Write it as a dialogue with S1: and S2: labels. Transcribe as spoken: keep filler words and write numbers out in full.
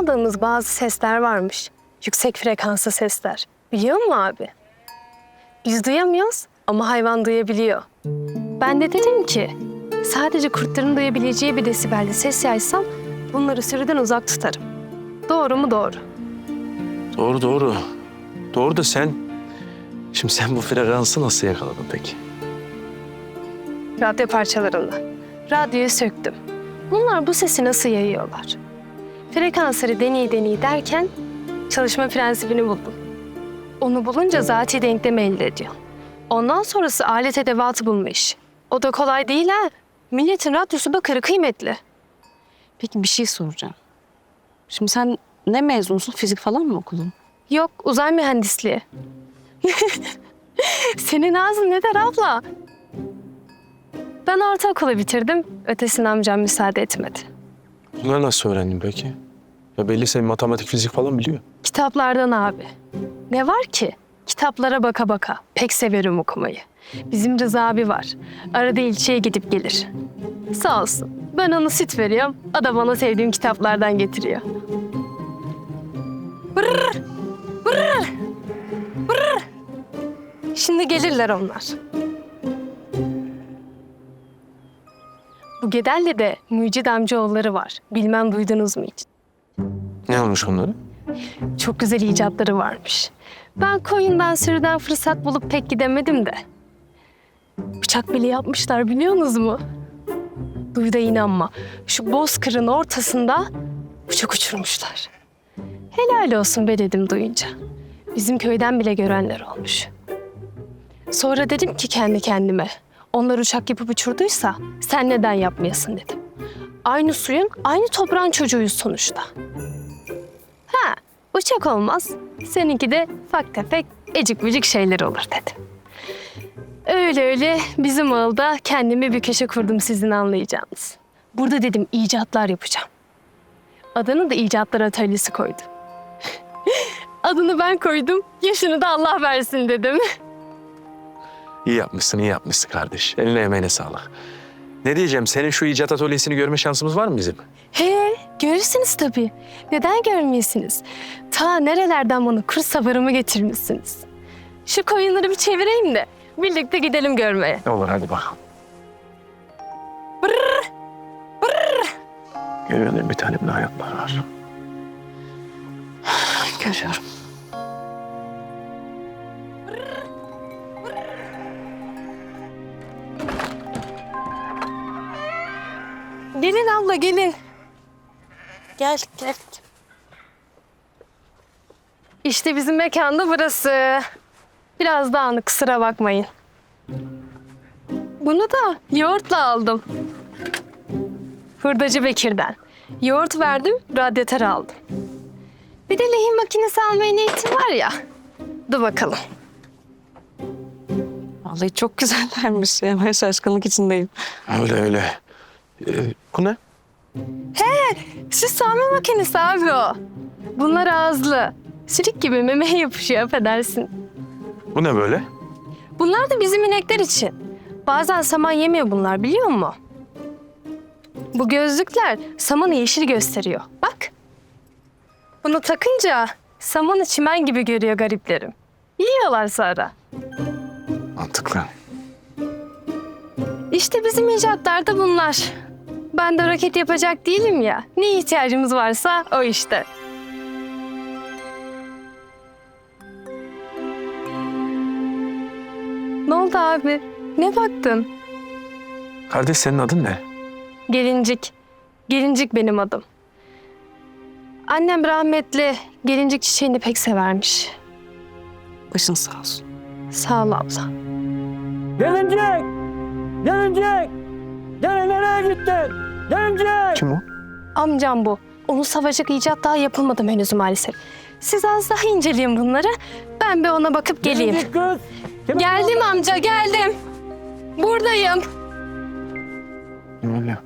S1: duyamadığımız bazı sesler varmış. Yüksek frekanslı sesler. Biliyor musun abi? Biz duyamıyoruz ama hayvan duyabiliyor. Ben de dedim ki sadece kurtların duyabileceği bir desibelde ses yaysam bunları sürüden uzak tutarım. Doğru mu? Doğru.
S2: Doğru doğru. Doğru da sen... Şimdi sen bu frekansı nasıl yakaladın peki?
S1: Radyo parçalarında. Radyoyu söktüm. Bunlar bu sesi nasıl yayıyorlar? Frekansları deney deney derken çalışma prensibini buldum. Onu bulunca zati denklemi elde ediyor. Ondan sonrası alet edevatı bulma işi. O da kolay değil ha. Milletin radyosu bakırı kıymetli.
S3: Peki bir şey soracağım. Şimdi sen ne mezunsun? Fizik falan mı okudun?
S1: Yok, uzay mühendisliği. Senin ağzın ne der abla? Ben ortaokulu bitirdim. Ötesine amcam müsaade etmedi.
S2: Bunları nasıl öğrendin peki? Ya belli senin matematik, fizik falan biliyor.
S1: Kitaplardan abi. Ne var ki? Kitaplara baka baka. Pek severim okumayı. Bizim Rıza abi var. Arada ilçeye gidip gelir. Sağ olsun. Ben ona süt veriyorum. O da bana sevdiğim kitaplardan getiriyor. Brrr, brrr, brrr. Şimdi gelirler onlar. Bu Gedelli'de Mücid amcaoğulları var. Bilmem duydunuz mu hiç?
S2: Ne olmuş onları?
S1: Çok güzel icatları varmış. Ben koyundan sürüden fırsat bulup pek gidemedim de. Bıçak bile yapmışlar biliyorsunuz mu? Duy da inanma. Şu bozkırın ortasında bıçak uçurmuşlar. Helal olsun be dedim duyunca. Bizim köyden bile görenler olmuş. Sonra dedim ki kendi kendime. Onlar uçak yapıp uçurduysa sen neden yapmayasın dedim. Aynı suyun, aynı toprağın çocuğuyuz sonuçta. Ha, uçak olmaz. Seninki de ufak tefek, ecik bücük şeyler olur dedim. Öyle öyle bizim ağılda kendimi bir köşe kurdum sizin anlayacağınız. Burada dedim icatlar yapacağım. Adını da icatlar atölyesi koydum. Adını ben koydum, yaşını da Allah versin dedim.
S2: İyi yapmışsın, iyi yapmışsın kardeş. Eline emeğine sağlık. Ne diyeceğim, senin şu icat atölyesini görme şansımız var mı bizim?
S1: He, görürsünüz tabii. Neden görmeyesiniz? Ta nerelerden bana kurs sabırımı getirmişsiniz. Şu koyunları bir çevireyim de birlikte gidelim görmeye.
S2: Olur, hadi bakalım.
S1: Brrr, brrr.
S2: Görüyorum bir tane bir hayatlar var.
S3: Görüyorum.
S1: Gelin abla gelin. Gel gel. İşte bizim mekanda burası. Biraz dağınık kusura bakmayın. Bunu da yoğurtla aldım. Hurdacı Bekir'den. Yoğurt verdim, radyatör aldım. Bir de lehim makinesi almaya niyetim var ya. Dur bakalım.
S3: Vallahi çok güzellermiş ya. Ben şaşkınlık içindeyim.
S2: Öyle öyle. Ee, bu ne?
S1: Süs sağma makinesi abi o. Bunlar ağızlı. Sülük gibi memeye yapışıyor affedersin.
S2: Bu ne böyle?
S1: Bunlar da bizim inekler için. Bazen saman yemiyor bunlar biliyor musun? Bu gözlükler samanı yeşil gösteriyor. Bak. Bunu takınca samanı çimen gibi görüyor gariplerim. Yiyorlar sonra.
S2: Mantıklı.
S1: İşte bizim icatlar da bunlar. Ben de roket yapacak değilim ya. Ne ihtiyacımız varsa o işte. Ne oldu abi? Ne baktın?
S2: Kardeş senin adın ne?
S1: Gelincik. Gelincik benim adım. Annem rahmetli gelincik çiçeğini pek severmiş.
S3: Başın sağ olsun.
S1: Sağ ol abla.
S4: Gelincik! Gelincik! Gene nereye gittin? Gelincik!
S2: Kim o?
S1: Amcam bu. Onun savaşacak icat daha yapılmadı henüz maalesef. Siz az daha inceleyin bunları. Ben bir ona bakıp geleyim.
S4: Gelincik kız! Kim-
S1: Geldim amca geldim. Buradayım.
S2: Ne oluyor?